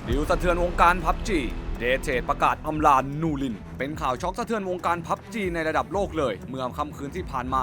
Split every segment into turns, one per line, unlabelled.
ดิวสะเทือนวงการพับจีเดเทประกาศอำลานูรินเป็นข่าวช็อกสะเทือนวงการพับจีในระดับโลกเลยเมื่อค่ำคืนที่ผ่านมา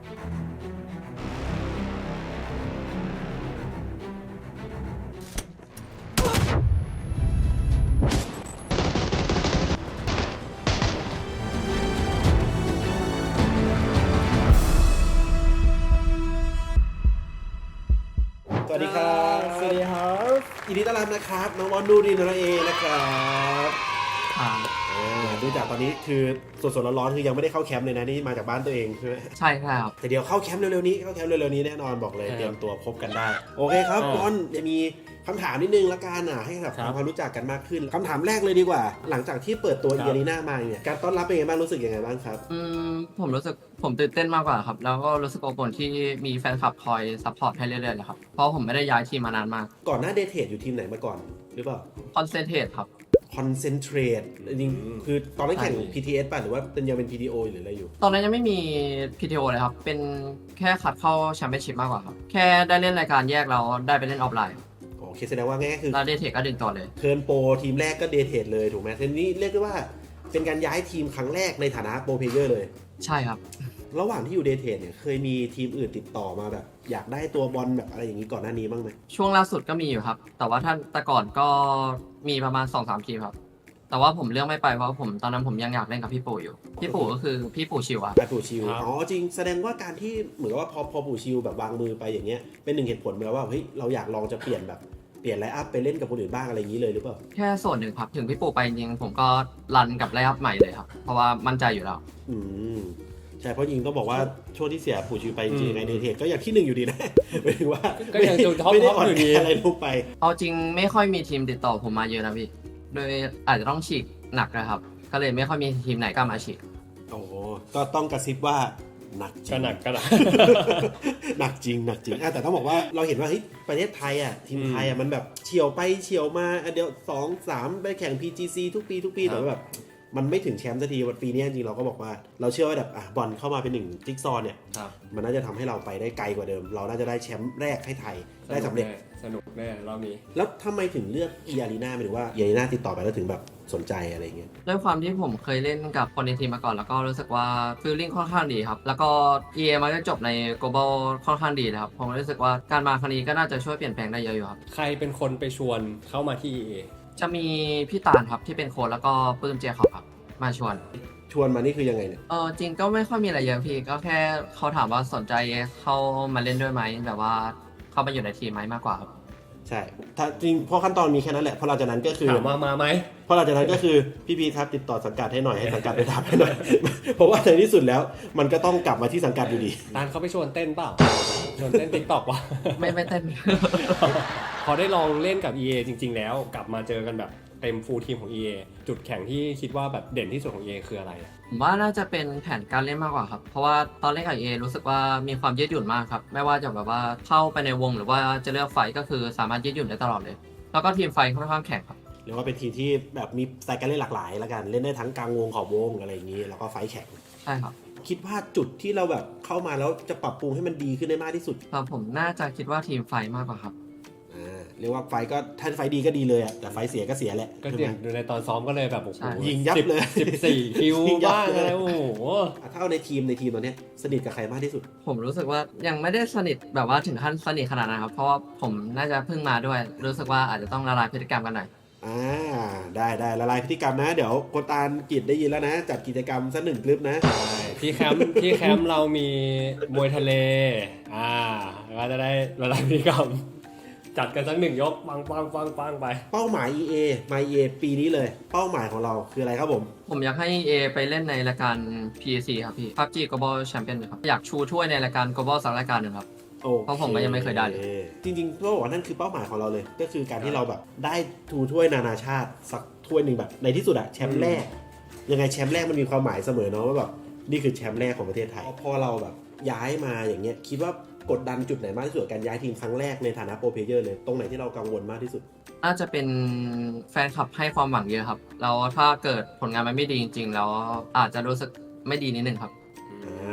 สวัสดีครับ
สวัสดีครับ
ยินดีต้อนรับนะครับน้องวอนนูรินนั่นเองนะครับดูจากตอนนี้คือสดๆร้อนๆคือยังไม่ได้เข้าแคมป์เลยนะนี่มาจากบ้านตัวเองใช่ไหม
ใช่ครับ
แต่เดี๋ยวเข้าแคมป์เร็วๆนี้แน่นอนบอกเลยเตรียมตัวพบกันได้โอเคครับวอนจะมีคำถามนิดนึงละกันให้แบบทำความรู้จักกันมากขึ้นคำถามแรกเลยดีกว่า หลังจากที่เปิดตัวอารีนามาเนี่ยการต้อนรับเป็นยังไงบ้างรู้สึกยังไงบ้างครับ
ผมรู้สึกผมตื่นเต้นมากกว่าครับแล้วก็รู้สึกอบอุ่นที่มีแฟนคลับคอยซัพพอร์ตให้เรื่อยๆเลยครับเพราะผมไม่ได้ย้ายทีมมานานมาก
ก่อนหน้าเดทเทอยู่ทีมไหนมาก่อนหรือเปล่า
คอนเซนเทรตครับ
Concentrate จริงๆคือตอนนั้นแข่ง PTS ป่ะหรือว่าเป็นยังเป็น PTO หรืออะไรอยู่
ตอนนั้นยังไม่มี PTO เลยครับเป็นแค่คัดเข้าแชมเปี้ยนชิพมากกว่าครับแค่ได้เล่นรายการแยกแล้วได้ไปเล่นออฟไลน์
โอเคแสดงว่าง่ายๆคือ
แล้วเดทเทคก็ดึงต่อเลย
เทิร์นโปรทีมแรกก็เดทเทเลยถูกไหมทีนี้เรียกได้ว่าเป็นการย้ายทีมครั้งแรกในฐานะโปรเพลเยอร์เลย
ใช่ครับ
ระหว่างที่อยู่เดทเทเนี่ยเคยมีทีมอื่นติดต่อมาแบบ อยากได้ตัวบอลแบบอะไรอย่างนี้ก่อนหน้านี้บ้างไหม
ช่วงล่าสุดก็มีอยู่ครับ แต่ว่าแต่ก่อนก็มีประมาณ 2-3 ทีมครับแต่ว่าผมเลือกไม่ไปเพราะผมตอนนั้นผมยังอยากเล่นกับพี่ปู่อยู่พี่ปู่ก็คือพี่ปู่ชิวอะ
ไอปู่ชิวอ๋อจริงแสดงว่าการที่เหมือนกับว่าพอปู่ชิวแบบวางมือไปอย่างเงี้ยเป็นหนึ่งเหตุผลเลยว่าเฮ้ยเราอยากลองจะเปลี่ยนไลน์อัพไปเล่นกับคนอื่นบ้างอะไรอย่างนี้เลยหรือเปล่า
แค่ส่วนหนึ่งครับถึงพี่ปู่ไปจริงผมก็รันกับไลฟ์อัพใหม่เลยครับเพราะว่ามั่นใจอยู่แล้ว
อืมใช่เพราะยิงต้องบอกว่าช่วงที่เสียปู่ชิวไปจริงๆในเดทเทก็อย่างที่หนึ่งอยู่ดีนะ หมายถึงว่า
ก็ยังจุดท็อป
ไม่ได้
ท็อป
อ่อน
อยู่ดี
แออะไรลงไป
เอาจริงไม่ค่อยมีทีมติดต่อผมมาเยอะนะพี่โดยอาจจะต้องฉีกหนักนะครับก็เลยไม่ค่อยมีทีมไหนกล้ามาฉีก
โอ้โหก็ต้องกระซิบว่าหนักจริ
ก็
ง
หนักก็หนัก
หนักจริงแต่ต้องบอกว่าเราเห็นว่าเฮ้ยประเทศไทยทีมไทยมันแบบเฉียวไปเฉียวมาเดี๋ยว2-3ไปแข่ง PGC ทุกปีแต่ว่าแบบมันไม่ถึงแชมป์สักทีวันปีนี้จริงๆเราก็บอกว่าเราเชื่อว่าแบบบอลเข้ามาเป็นหนึ่งจิ๊กซอว์เนี่ย
ครับ
มันน่าจะทำให้เราไปได้ไกลกว่าเดิม เราน่าจะได้แชมป์แรกให้ไทยได้สำเร็จ
สนุกแน่รอบนี้
แล้วทำไมถึงเลือกอารีนาหมายถึงว่าอารีนาติดต่อไปแล้วถึงแบบสนใจอะไรอย่างเงี้ย
ด้วยความที่ผมเคยเล่นกับคนในทีมมาก่อนแล้วก็รู้สึกว่าฟีลลิ่งค่อนข้างดีครับแล้วก็ EA มันก็จบใน global ค่อนข้างดีนะครับผมรู้สึกว่าการมาครั้งนี้ก็น่าจะช่วยเปลี่ยนแปลงได้เยอะอยู่ครับ
ใครเป็นคนไปชวนเข้ามาที่ EA
จะมีพี่ตาลครับที่เป็นโค้ชแล้วก็ปื้มเจคอบครับมาชวน
ชวนมานี่คือยังไงเนี่ย
จริงก็ไม่ค่อยมีอะไรเยอะพี่ก็แค่เขาถามว่าสนใจเข้ามาเล่นด้วยไหมแบบว่าเข้ามาอยู่ในทีมไหมมากกว่าครับ
ใช่ถ้าจริงเพราะขั้นตอนมีแค่นั้นแหละเพราะหลังจากนั้นก็คือ
ถามมาไหม
เพราะหลังจากนั้นก็คือพี่พีครับติดต่อสังกัดให้หน่อยให้สังกัดไปทำให้หน่อย เพราะว่าในที่สุดแล้วมันก็ต้องกลับมาที่สังกัดอยู่ดี
ตานเขาไปชวนเต้นเปล่า ชวนเต้นติ๊กต็อกวะ
ไม่เต้น
พอได้ลองเล่นกับ EA จริง ๆ แล้วกลับมาเจอกันแบบเต็มฟูลทีมของ EA จุดแข็งที่คิดว่าแบบเด่นที่สุดของ EA คืออะไร
ผมว่าน่าจะเป็นแผนการเล่นมากกว่าครับ เพราะว่าตอนเล่นกับเอรู้สึกว่ามีความยืดหยุ่นมากครับ ไม่ว่าจะแบบว่าเข้าไปในวงหรือว่าจะเลือกไฟก็คือสามารถยืดหยุ่นได้ตลอดเลย แล้วก็ทีมไฟค่อนข้างแข็งครับ
หรือว่าเป็นทีมที่แบบมีสไตล์การเล่นหลากหลายละกันเล่นได้ทั้งกลางวงขอบวงอะไรอย่างนี้แล้วก็ไฟท์แข่ง
ใช่ครับ
คิดว่าจุดที่เราแบบเข้ามาแล้วจะปรับปรุงให้มันดีขึ้นได้มากที่สุด
ครับผมน่าจะคิดว่าทีมไฟมากกว่าครับ
เรียกว่าไฟท์ก็ถ้าไฟท์ดีก็ดีเลยแต่ไฟท์เสียก็เสียแหละ
ก็
ใช่
เด่
ไหม
นดูในตอนซ้อมก็เลยแบบโอ้โห
ใช่
ยิงยับเลย
14 คิว
ยิงยับ
บ้าง
เลย
อะไรโอ้โห
ถ้าเอาในทีมตอนเนี้ยสนิทกับใครมากที่สุด
ผมรู้สึกว่ายังไม่ได้สนิทแบบว่าถึงขั้นสนิทขนาดนั้นครับ เพราะว่าผมน่าจะเพิ่งมาด้วย รู้สึกว่าอาจจะต้องละลายพฤติกรรมกันหน่อย
ได้ละลายพฤติกรรมนะ เดี๋ยวโคตาลกิจได้ยินแล้วนะ จัดกิจกรรมสักหนึ่งคลิปนะ
ที่แคมป์เรามีมวยทะเลก็จะได้ละลายพฤติกรรม จัดกันสักหนึ่งยกปังไป
เป้าหมาย EA มา EA ปีนี้เลย เป้าหมายของเราคืออะไรครับผม
ผมอยากให้ A ไปเล่นในรายการ PAC ครับพี่ PUBG Global Champion ครับอยากชูถ้วยในรายการ Global สักรายการหนึ่งครับ
โอ
เพราะผมก็ยังไม่เคยได้เลย
จริงๆต้องบอกว่านั่นคือเป้าหมายของเราเลย ก็คือการที่เราแบบได้ทูถ้วยนานาชาติสักถ้วยหนึ่งแบบในที่สุดอะแชมป์แรก ยังไงแชมป์แรกมันมีความหมายเสมอเนาะว่าแบบนี่คือแชมป์แรกของประเทศไทยพอเราแบบย้ายมาอย่างเงี้ยคิดว่ากดดันจุดไหนมากที่สุดกับการย้ายทีมครั้งแรกในฐานะโปรเพลเยอร์เลยตรงไหนที่เรากังวลมากที่สุด
น่าจะเป็นแฟนคลับให้ความหวังเยอะครับแล้วถ้าเกิดผลงานมันไม่ดีจริงๆแล้วอาจจะรู้สึกไม่ดีนิดนึงครับ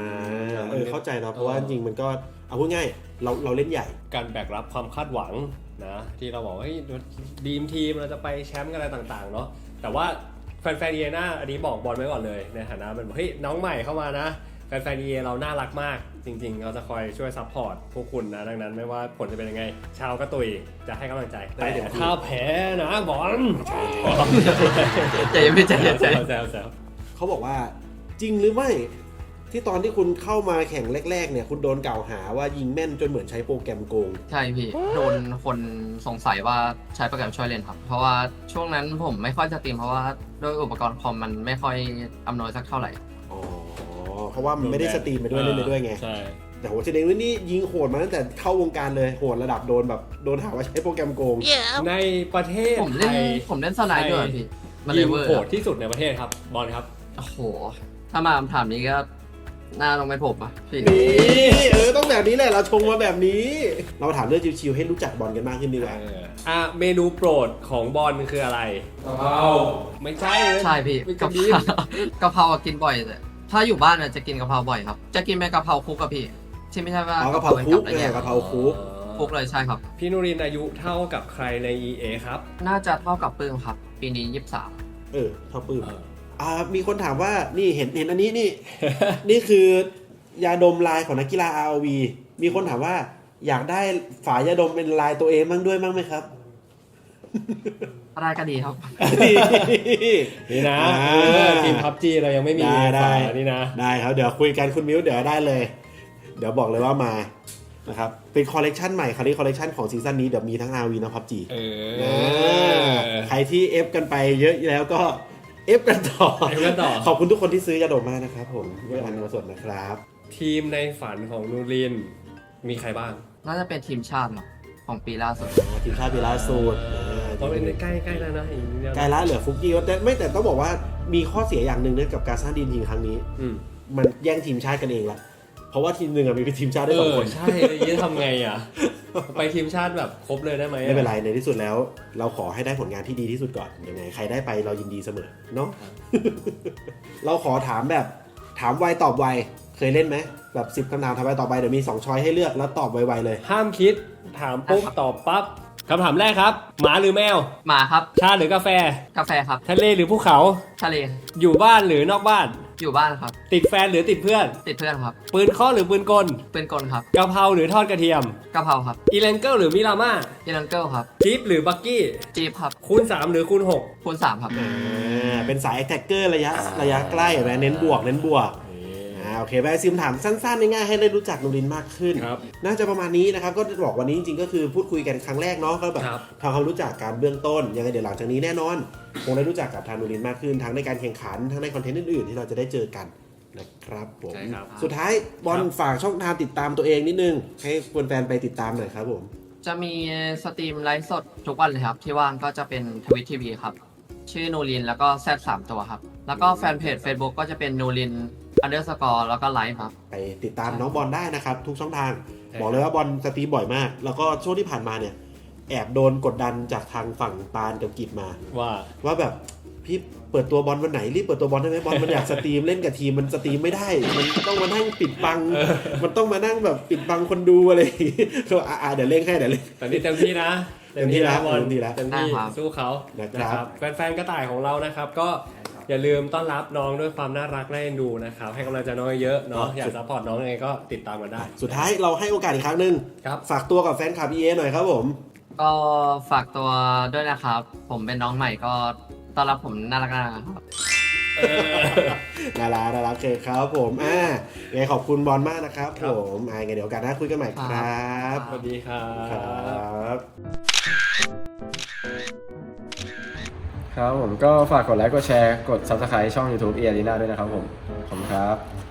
เข้าใจเนาะเพราะว่าจริงๆมันก็เอาพูดง่ายเราเล่นใหญ่
การแบกรับความคาดหวังนะที่เราบอกว่าเฮ้ยดีมทีมเราจะไปแชมป์กันอะไรต่างๆเนาะแต่ว่าแฟนๆเอน่าอันนี้บอกบอลไว้ก่อนเลยในฐานะเป็นเฮ้ยน้องใหม่เข้ามานะแฟนๆเอเราน่ารักมากจริงๆเราจะคอยช่วยซัพพอร์ตพวกคุณนะดังนั้นไม่ว่าผลจะเป็นยังไงชาวกระตุยจะให้กำลังใจแต่ถ้าแพ้นะบอล
ใจเย็นพี่ใจเย็นใจ
แซว
เขาบอกว่าจริงหรือไม่ที่ตอนที่คุณเข้ามาแข่งแรกๆเนี่ยคุณโดนกล่าวหาว่ายิงแม่นจนเหมือนใช้โปรแกรมโกง
ใช่พี่โดนคนสงสัยว่าใช้โปรแกรมช่วยเล่นครับ เพราะว่าช่วงนั้นผมไม่ค่อยสตรีมเพราะว่าด้วยอุปกรณ์คอมมันไม่ค่อยอำนวยสักเท่าไหร่
อ๋อเพราะว่ามันไม่ได้สตรีมไปด้วยเล่นไปด้วยไง
ใช่
แต่โหแสดงว่านี่ยิงโหดมาตั้งแต่เข้าวงการเลยโหดระดับโดนแบบโดนหาว่าใช้โปรแกรมโกง
ในประเทศ
ผมเล่น
ไทย
ผมเล่นสไนด์ด้วยพี่มันเล
ยิง
เวอร์
โหดที่สุดในประเทศครับบอลครับ
โอ้โห ถ้ามาคำถามนี้ก็น่าลงไปผมอ่ะพี่
นี่ต้องแบบนี้แหละเราชงมาแบบนี้ เราถามเรื่องชิวๆให้รู้จักบอลกันมากขึ้นดีกว่า
เมนูโปรดของบอลคืออะไรกะเพราไม่ใช่เลย
ใช่พี่
เป็น
กะ
กะ
เพ
เพ
รา
รา
กะเพราอะกินบ่อยแต่ถ้าอยู่บ้านอะจะกินกะเพราบ่อยครับ จะกินเป็นกะเพราคลุกกับพี่ที่ไม่ใช่ว่า
อ๋อกะเพราคุก
เป็น
เนี่ย
กับ
กะเพราคุก
คลุกเลยใช่ครับ
พี่นุรินทร์อายุเท่ากับใครใน EA ครับ
น่าจะเท่ากับปื้มครับ ปีนี้
เท่าปื้มมีคนถามว่านี่เห็นอันนี้นี่ นี่คือยาดมลายของนักกีฬา ROV มีคนถามว่าอยากได้ฝายาดมเป็นลายตัวเองบ้างด้วยบ้างไหมครับ
23อะไรก็ดีครับ
นี่นะ
อ่า
ทีมพับจีเรายังไม่มี
ได้
ฝานี่นะ
ได้ครับเดี๋ยวคุยกันคุณมิ้วเดี๋ยวได้เลย เดี๋ยวบอกเลยว่ามานะครับเป็นคอลเลกชันใหม่คราวนี้คอลเลกชันของซีซั่นนี้เดี๋ยวมีทั้ง RV นะพับจี ใครที่เอฟกันไปเยอะแล้วก็เอฟกันต่อ
เอฟกันต่อ
ขอบคุณทุกคนที่ซื้อยาดมมากนะครับผมด้วยอันมาสดนะครับ
ทีมในฝันของนูรินทร์มีใครบ้าง
น่าจะเป็นทีมชาติเนาะของปีล่าสุด
ทีมชาติปีล่าสุด
ตอนเป็นใกล้ๆแล้วนะอีกนิดเดียว
ไกลละเหลือฟุกกี้แต่ต้องบอกว่ามีข้อเสียอย่างหนึ่งเนื่องกับการสร้างดีมทีมครั้งนี้
อืม
มันแย่งทีมชาติกันเองละเพราะว่าทีมหนึ่งมีทีมชาติได้สองคน
ใช่ยี่ทำไงอ่ะ ไปทีมชาติแบบครบเลยได้ไหม
ไม่เป็นไรในที่สุดแล้ว เราขอให้ได้ผลงานที่ดีที่สุดก่อนยังไงใครได้ไปเรายินดีเสมอเนาะ เราขอถามแบบถามไวตอบไวเคยเล่นไหมแบบ10คำถามถามไวตอบไวเดี๋ยวมี2ช้อยให้เลือกแล้วตอบไวๆเลย
ห้ามคิดถามปุ๊บตอบปั๊บคำถามแรกครับ หมาหรือแมว
มาครับ
ชาหรือกาแฟ
กาแฟครับ
ทะเลหรือภูเขา
ทะเล
อยู่บ้านหรือนอกบ้าน
อยู่บ้านครับ
ติดแฟนหรือติดเพื่อน
ติดเพื่อนครับ
ปืนเคาะหรือปืนกล
เป็นกลครับ
กะเพราหรือทอดกระเทียม
กะเพราครับ
อีเลนเกิลหรือมิราม่า
ยีรังเกิลครับ
จี๊ปหรือบักกี้
จีบครับ
คูณ3หรือคูณ
คูณ3ครับ
เป็นสายแท็กเกอร์ระยะใกล้แบบเน้นบวกโอเคไปซิมถามสั้นๆง่ายๆให้ได้รู้จักนูรินมากขึ้น
ครับ
น่าจะประมาณนี้นะครับก็บอกวันนี้จริงๆก็คือพูดคุยกันครั้งแรกเนาะก็แบบ
ครับ
ทำความรู้จักการเบื้องต้นยังไงเดี๋ยวหลังจากนี้แน่นอนคงได้รู้จักกับทางนูรินมากขึ้นทั้งในการแข่งขันทั้งในคอนเทนต์อื่นๆที่เราจะได้เจอกันนะครับผม
ใช่ครับ
สุดท้ายบอลฝากช่องทางติดตามตัวเองนิดนึงให้แฟนๆไปติดตามหน่อยครับผม
จะมีสตรีมไลฟ์สดทุกวันเลยครับ ที่ว่างก็จะเป็นทวิตทีวีครับ ชื่อนูรินแล้วก็แซด3ตัวครับ แล้วก็แฟนเพจ Facebook ก็จะเป็นนูริน_แล้วก็ไลฟ์ครับ
ไปติดตามน้องบอลได้นะครับทุกช่องทาง
ใช่
บอกเลยว่าบอลสตรีมบ่อยมาก แล้วก็ช่วงที่ผ่านมาเนี่ยแอบโดนกดดันจากทางฝั่งปานกับกิจมา ว่าแบบพี่เปิดตัวบอลวันไหนรีบเปิดตัวบอลได้ไหมบอลมันอยากสตรีมเล่นกับทีมมันสตรีมไม่ได้ มันต้องมานั่งปิดบัง มันต้องมานั่งแบบปิดบังคนดูอะไรอย่างงี้ก็เดี๋ยวเล่นให้เดี๋ยวเล่น
แต่นี่เต็มที่นะ
เต็มที่แล้ว
บอล
เต็มที่แล้ว
เต็มที่
ครับ
สู้เขา
นะครับ
แฟนๆกระต่ายของเรานะครับ ก็อย่าลืมต้อนรับน้องด้วยความน่ารักน่าเอ็นดูนะครับ ให้กำลังใจน้องเยอะเนาะอยากซัพพอร์ตน้องยังไงก็ติดตามกันได้
สุดท้ายเราให้โอกาสอีกครั้งหนึ่ง
ครับ
ฝากตัวกับแฟนคลับ EA หน่อยครับผม
ก็ฝากตัวด้วยนะครับ ผมเป็นน้องใหม่ก็ต้อนรับผมน่ารักๆครับ
น่ารักโอเคครับผมยังไงขอบคุณบอลมากนะครับ
ครับ
ผมยังไงเดี๋ยวโอกาสหน้าคุยกันใหม่ครับ
สวัสดีครั
ครับ บ
ครับผมก็ฝากกดไลค์กดแชร์กด Subscribe ช่อง YouTube เอ r รีนาด้วยนะครับผมขอบคุณครับ